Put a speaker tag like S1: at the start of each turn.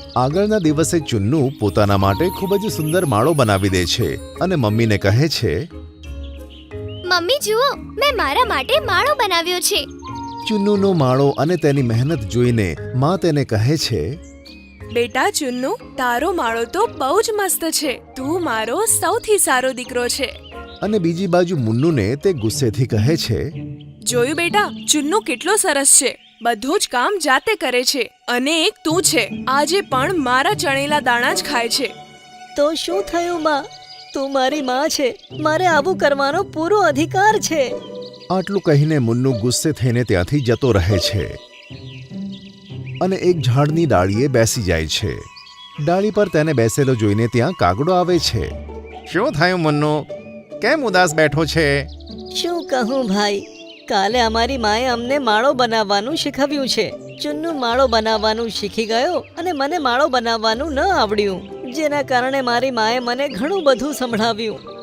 S1: આગળના દિવસે ચુન્નુ પોતાના માટે ખૂબ જ સુંદર માળો બનાવી દે છે અને મમ્મીને કહે છે,
S2: મમ્મી જુઓ, મેં મારા માટે માળો બનાવ્યો છે.
S1: ચુન્નુનો માળો અને તેની મહેનત જોઈને માં તેને કહે છે,
S3: બેટા ચુન્નુ, તારો માળો તો બહુ જ મસ્ત છે. તું મારો સૌથી સારો દીકરો છે.
S1: અને બીજી બાજુ મુન્નુને તે ગુસ્સેથી કહે છે,
S3: જોયું બેટા, ચુન્નુ કેટલો સરસ છે. બધું જ કામ જાતે કરે છે. અને એક તું છે, આજે પણ મારા ચણેલા દાણા જ ખાય છે.
S4: તો શું થયું માં? તું મારી માં છે, મારે આવું કરવાનો પૂરો અધિકાર છે.
S1: આટલું કહીને મુન્નુ ગુસ્સે થઈને ત્યાંથી જતો રહે છે અને એક ઝાડની ડાળીએ બેસી જાય છે. ડાળી પર તેને બેસેલો જોઈને ત્યાં કાગડો આવે છે. શું થયું મુન્નુ? કેમ ઉદાસ બેઠો છે?
S4: શું કહું ભાઈ, કાલે અમારી માએ અમને માળો બનાવવાનું શીખવ્યું છે. ચુન્નુ માળો બનાવવાનું શીખી ગયો અને મને માળો બનાવવાનું ન આવડ્યું, જેના કારણે મારી માએ મને ઘણું બધું સંભળાવ્યું.